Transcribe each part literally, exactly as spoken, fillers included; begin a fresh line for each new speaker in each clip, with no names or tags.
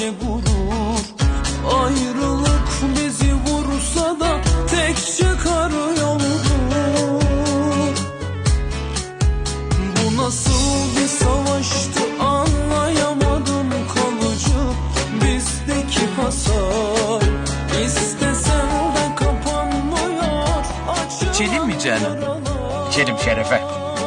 sadece gurur. Ayrılık bizi vursa da tek çıkar yoldur. Bu nasıl bir savaştı anlayamadım, kalıcı bizdeki hasar. İstesem de kapanmıyor.
İçelim mi canım?
İçelim şerefe.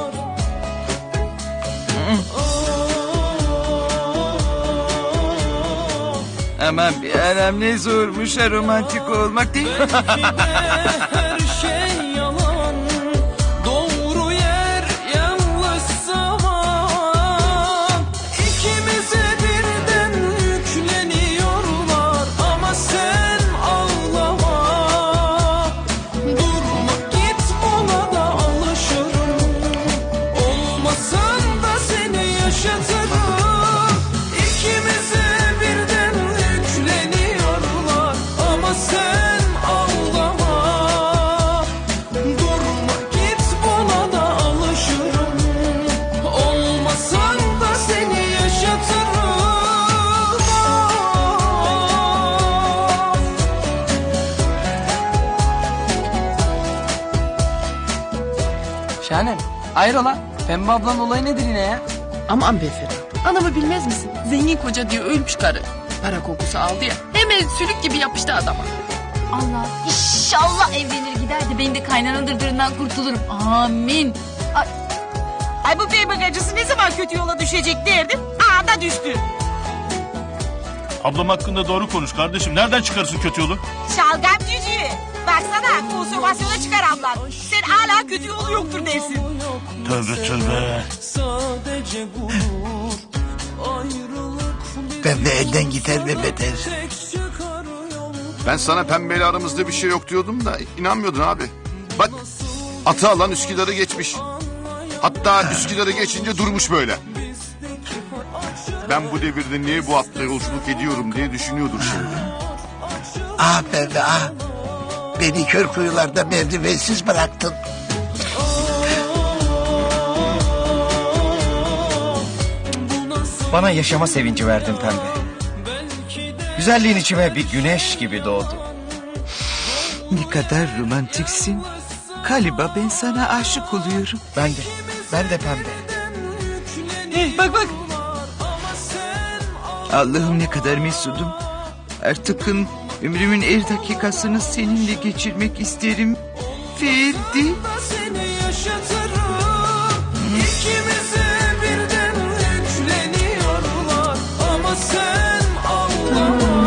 Aman bir anam ne zormuş ha romantik olmak değil mi?
Her şey yalan, doğru yer yanlış zaman. İkimize birden yükleniyorlar ama sen ağlama. Durma git, ona da alışırım. Olmasan da seni yaşatırım. İkimize birden yükleniyorlar ama sen ağlama. Durma git, buna da alışırım. Olmasan da seni yaşatırım.
Şahanem, hayrola? Pembe ablanın olayı nedir yine ya?
Aman be Ferhat. Anamı bilmez misin? Zengin koca diye ölmüş karı. Para kokusu aldı ya. Hemen sülük gibi yapıştı adama.
Allah inşallah evlenir gider de benim de kaynana dırdırından kurtulurum. Amin. Ay,
Ay bu bey bagacısı ne zaman kötü yola düşecek derdim. Aa da düştü.
Ablam hakkında doğru konuş kardeşim. Nereden çıkarsın kötü yolu?
Şalgam cücüğü. Baksana konsomasyona çıkar ablan. Sen hala kötü yolu yoktur dersin.
Tövbe tövbe.
Sadece gurur. Ayrılık
Pembe elden gider ve beter.
tek çıkar yoldur.
Ben sana pembeyle aramızda bir şey yok diyordum da inanmıyordun abi. Bak atı alan Üsküdar'ı geçmiş. Hatta Üsküdar'ı geçince durmuş böyle. Ben bu devirde niye bu atla yolculuk ediyorum diye düşünüyordur şimdi.
Ah Pembe ah. Beni kör kuyularda merdivensiz bıraktın.
Bana yaşama sevinci verdin pembe. Güzelliğin içime bir güneş gibi doğdu.
Ne kadar romantiksin. Galiba ben sana aşık oluyorum.
Ben de, ben de pembe.
Eh, bak bak. Allah'ım ne kadar mesudum. Artıkın ömrümün her dakikasını seninle geçirmek isterim. Ferdi.
Seni yaşatırım. İkimize birden yükleniyorlar ama sen ağlama.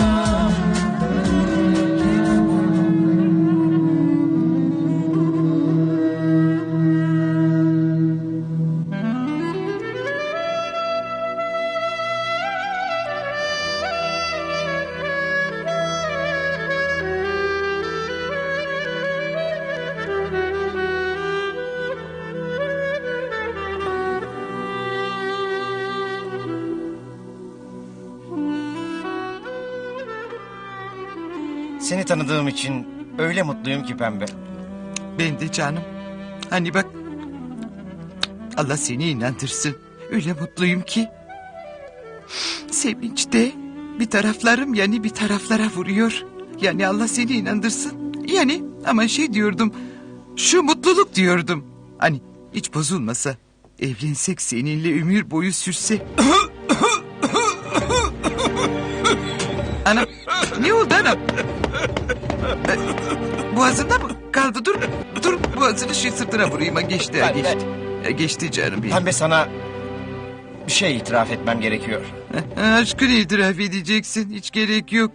Seni tanıdığım için öyle mutluyum ki pembe.
Ben de canım. Hani bak. Allah seni inandırsın. Öyle mutluyum ki. Sevinçte bir taraflarım yani bir taraflara vuruyor. Yani Allah seni inandırsın. Yani ama şey diyordum. Şu mutluluk diyordum. Hani hiç bozulmasa. Evlensek seninle ömür boyu sürse. Anam ne oldu anam? Ee, Boğazında mı kaldı? Dur, dur boğazını şu sırtına vurayım. Ha, geçti, ha,
Ben-
geçti. Ha, geçti canım benim.
Pembe sana bir şey itiraf etmem gerekiyor.
Ha, aşkını itiraf edeceksin. Hiç gerek yok.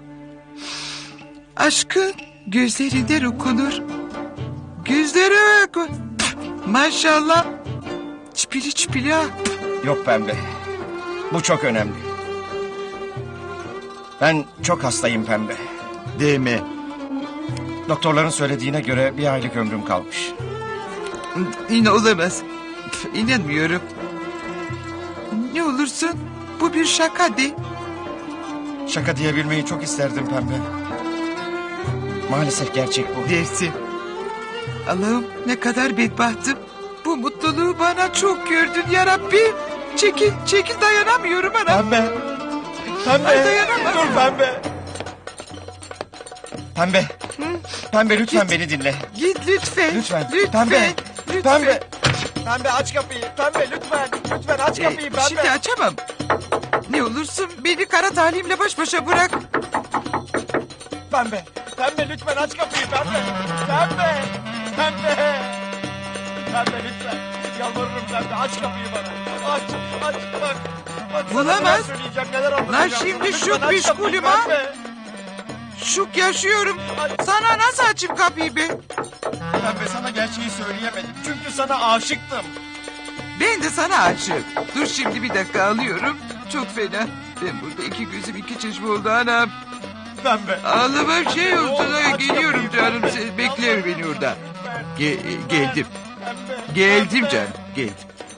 Aşkın gözlerinden okunur. Gözleri oku. Maşallah. Çipili çipili ha.
Yok pembe. Bu çok önemli. Ben çok hastayım pembe.
Deme.
Doktorların söylediğine göre bir aylık ömrüm kalmış.
Yine olamaz. Pf, İnanmıyorum. Ne olursun bu bir şaka de.
Şaka diyebilmeyi çok isterdim pembe. Maalesef gerçek bu.
Dersin. Allah'ım ne kadar bedbahtım. Bu mutluluğu bana çok gördün ya Rabbi. Çekil, çekil dayanamıyorum anam.
Pembe. Pembe. Dur pembe. Pembe. Pembe lütfen beni dinle.
Git lütfen.
Lütfen.
Lütfen.
Pembe.
Lütfen.
Pembe. Pembe aç kapıyı. Pembe lütfen. Lütfen aç
Ee,
kapıyı pembe.
şimdi açamam. Ne olursun beni kara talimle baş başa bırak.
Pembe. Pembe lütfen aç kapıyı pembe. Pembe. Pembe. Pembe lütfen. Yalvarırım pembe aç kapıyı bana. Aç aç bak. Bak sana
Bulamaz.
neler söyleyeceğim neler
Lan
anlatacağım.
şimdi
Lütfen
şu
aç kapıyı
meşgulüm ha.
pembe.
Şuk yaşıyorum. Sana nasıl açayım kapıyı be?
Pembe sana gerçeği söyleyemedim. Çünkü sana aşıktım.
Ben de sana aşığım. Dur şimdi bir dakika alıyorum. Çok fena. Ben burada iki gözüm iki çeşme oldu anam.
Pembe.
Ağlama şey oldu.
Oğlum,
da
aç
Geliyorum
kapıyı.
canım. Sen bekle beni orada.
Lütfen.
Ge- geldim.
Pembe.
Geldim
Pembe.
canım. Geldim.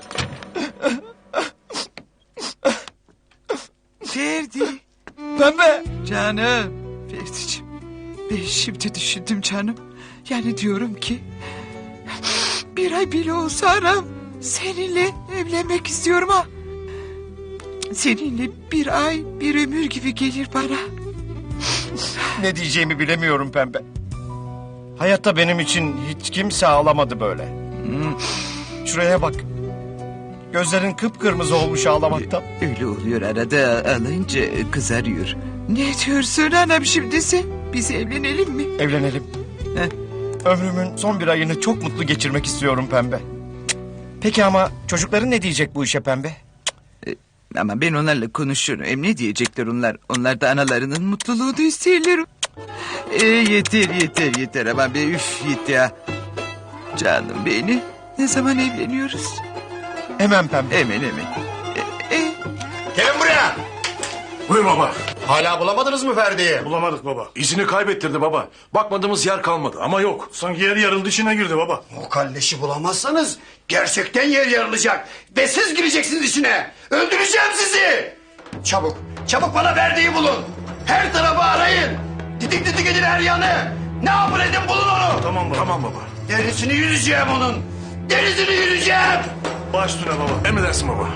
Ferdi.
Pembe.
Canım. Ferdi'ciğim. Ben şimdi düşündüm canım. Yani diyorum ki... Bir ay bile olsa anam. Seninle evlenmek istiyorum ha. Seninle bir ay bir ömür gibi gelir bana.
Ne diyeceğimi bilemiyorum pembe. Hayatta benim için hiç kimse ağlamadı böyle. Şuraya bak. Gözlerin kıpkırmızı olmuş ağlamaktan.
Öyle oluyor arada alınca kızarıyor. Ne diyorsun anam şimdi sen? Biz evlenelim mi?
Evlenelim.
Heh.
Ömrümün son bir ayını çok mutlu geçirmek istiyorum pembe. Cık. Peki ama çocukların ne diyecek bu işe pembe?
Ama ben onlarla konuşurum. Hem ne diyecekler onlar? Onlar da analarının mutluluğunu isterler. E, yeter yeter yeter ama be üf yeter ya. Canım beni. Ne zaman evleniyoruz?
Hemen pembe.
Hemen hemen. E, e,
Gelin buraya.
Buyur baba.
Hala bulamadınız mı Ferdi'yi?
Bulamadık baba. İzini kaybettirdi baba. Bakmadığımız yer kalmadı ama yok. Sanki yer yarıldı dışına girdi baba.
O kalleşi bulamazsanız gerçekten yer yarılacak. Ve siz gireceksiniz içine. Öldüreceğim sizi. Çabuk, çabuk bana Ferdi'yi bulun. Her tarafı arayın. Didik didik edin her yanı. Ne yapın edin bulun onu.
Tamam baba. Tamam baba.
Derisini yüzeceğim onun. Derisini yüzeceğim.
Baş üstüne baba. Emredersin baba.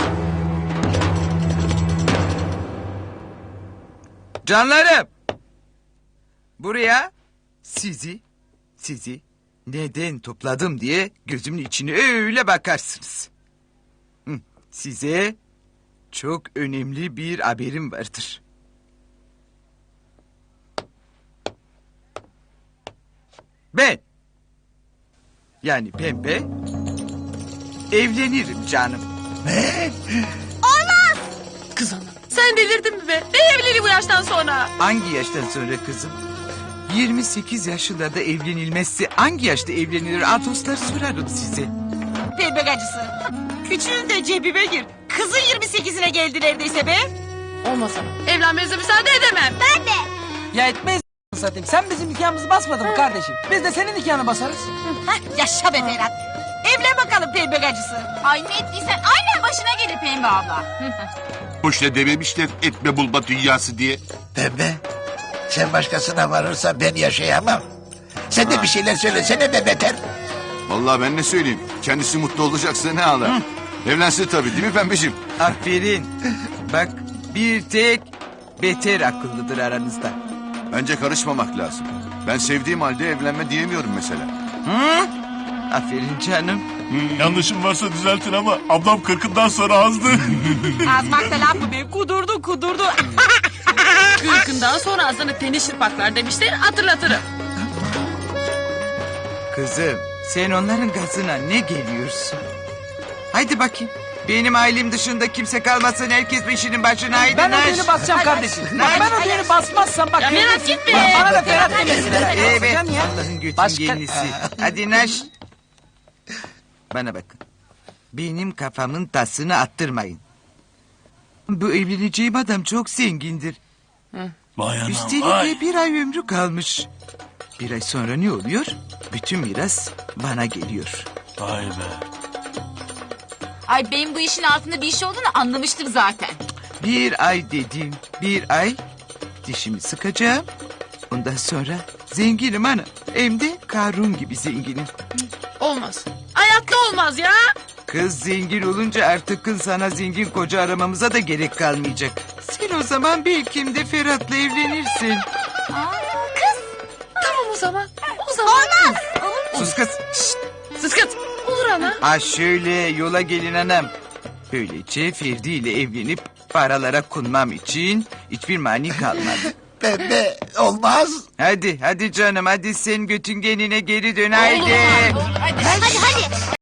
Canlarım. Buraya sizi, sizi neden topladım diye gözümün içine öyle bakarsınız. Hı, size çok önemli bir haberim vardır. Ben, yani Pembe, evlenirim canım.
Kız ana. Sen delirdin mi be? Ne evliliği bu yaştan sonra?
Hangi yaştan sonra kızım? yirmi sekiz yaşında evlenilmezse hangi yaşta evlenilir? Atoslar sorarım size.
Pembe gacısı. Küçüğün de cebime gir. Kızın yirmi sekizine geldi neredeyse be.
Olmaz ana. Evlenmenize müsaade edemem. Ben de.
Ya etmeyiz satayım. Sen bizim nikahımızı basmadın mı kardeşim? Biz de senin nikahını basarız.
Hah, yaşa be Ferhat. Evlen bakalım pembe gacısı.
Ay ne ettiysen aynen başına gelir Pembe abla.
Boşuna dememişler etme bulma dünyası diye.
Pembe, sen başkasına varırsa ben yaşayamam. Sen de bir şeyler söylesene be beter.
Vallahi ben ne söyleyeyim. Kendisi mutlu olacaksa ne ağlar. Evlensin tabii değil mi pembeciğim?
Aferin. Bak bir tek beter akıllıdır aranızda.
Bence karışmamak lazım. Ben sevdiğim halde evlenme diyemiyorum mesela.
Hı? Aferin canım.
Yanlışım varsa düzeltin ama ablam kırkından sonra azdı.
Azmakta laf mı be? Kudurdu kudurdu.
Kırkından sonra ağzını tenis şırpaklar demişler, hatırlatırım.
Kızım sen onların gazına ne geliyorsun? Haydi bakayım. Benim ailem dışında kimse kalmasın. Herkes işinin başına. Haydi
Ben o
naş.
düğünü basacağım kardeşim. Bak ben o düğünü basmazsam bak.
Ya Ferhat gitme.
Bak, bana da Ferhat demesinler.
Evet
Basacaksın ya.
Allah'ın götün
Başka-
gelisi. Hadi naş. Bana bakın. Benim kafamın tasını attırmayın. Bu evleneceğim adam çok zengindir.
Vay anam
Üstelik de bir ay ömrü kalmış. Bir ay sonra ne oluyor? Bütün miras bana geliyor.
Vay be.
Ay benim bu işin altında bir iş olduğunu anlamıştım zaten.
Bir ay dedim, bir ay dişimi sıkacağım. Ondan sonra zenginim ana. Hem de Karun gibi zenginim.
Olmaz. Hayatta olmaz ya.
Kız zengin olunca artık kız sana zengin koca aramamıza da gerek kalmayacak. Sen o zaman belki de Ferhat'la evlenirsin.
Tamam o zaman. O zaman. Olmaz.
Sus kız. Şşt.
Sus kız. Olur ana.
Ha şöyle yola gelin anam. Böylece Ferdi ile evlenip paralara konmam için hiçbir mani kalmadı.
Pembe olmaz.
Hadi hadi canım hadi sen götüngenine geri dön haydi.
Hadi hadi.